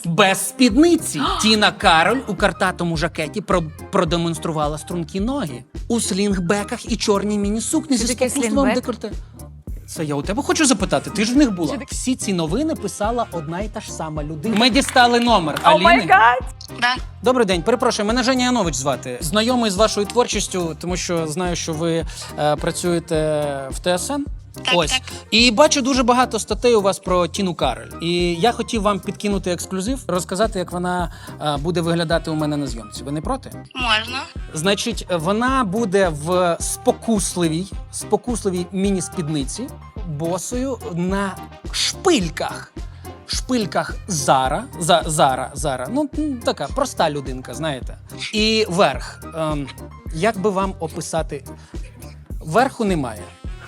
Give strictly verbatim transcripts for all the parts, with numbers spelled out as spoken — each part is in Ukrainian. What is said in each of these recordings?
Без спідниці. Тіна Кароль у картатому жакеті про продемонструвала стрункі ноги. У слінгбеках і чорній міні-сукні зі таке спокусливим слінгбек? декольте. Це я у тебе хочу запитати, ти ж в них була. Всі ці новини писала одна і та ж сама людина. Ми дістали номер О май Аліни. гад! Да. Добрий день, перепрошую, мене Женя Янович звати. Знайомий з вашою творчістю, тому що знаю, що ви е, працюєте в ТСН. Так, Ось. так. І бачу дуже багато статей у вас про Тіну Кароль. І я хотів вам підкинути ексклюзив, розказати, як вона е, буде виглядати у мене на зйомці. Ви не проти? Можна. Значить, вона буде в спокусливій, спокусливій міні-спідниці, босою на шпильках. Шпильках Зара, за, Зара, Зара, ну м, така проста людинка, знаєте. І верх. Ем, як би вам описати? Верху немає.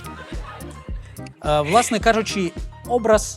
Е, власне кажучи, образ.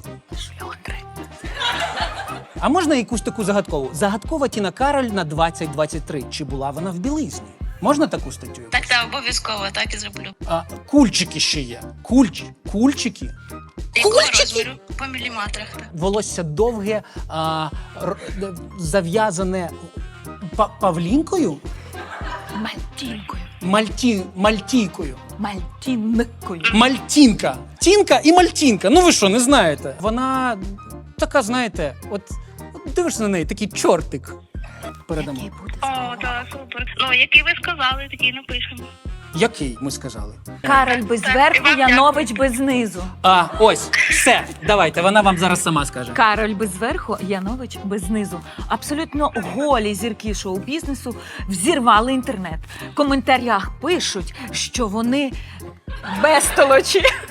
А можна якусь таку загадкову? Загадкова Тіна Кароль на двадцять двадцять три. Чи була вона в білизні? Можна таку статтю? Так, так, обов'язково, так і зроблю. А, кульчики ще є. Кульч, кульчики. Якого розміру? По міліметрах. Так. Волосся довге, а, р- д- зав'язане па- павлінкою, Мальтінкою. Мальті, мальтійкою. Мальтінкою. Мальтінка. Тінка і мальтінка. Ну ви що, не знаєте? Вона така, знаєте, от, от дивишся на неї, такий чортик. Передамо. Який буде О, так, супер. Ну, який ви сказали, такий напишемо. Який, ми сказали? Кароль без Так, верху, і вам Янович без низу. А, ось, все, давайте, вона вам зараз сама скаже. Кароль без верху, Янович без низу. Абсолютно голі зірки шоу-бізнесу взірвали інтернет. В коментарях пишуть, що вони безтолочі.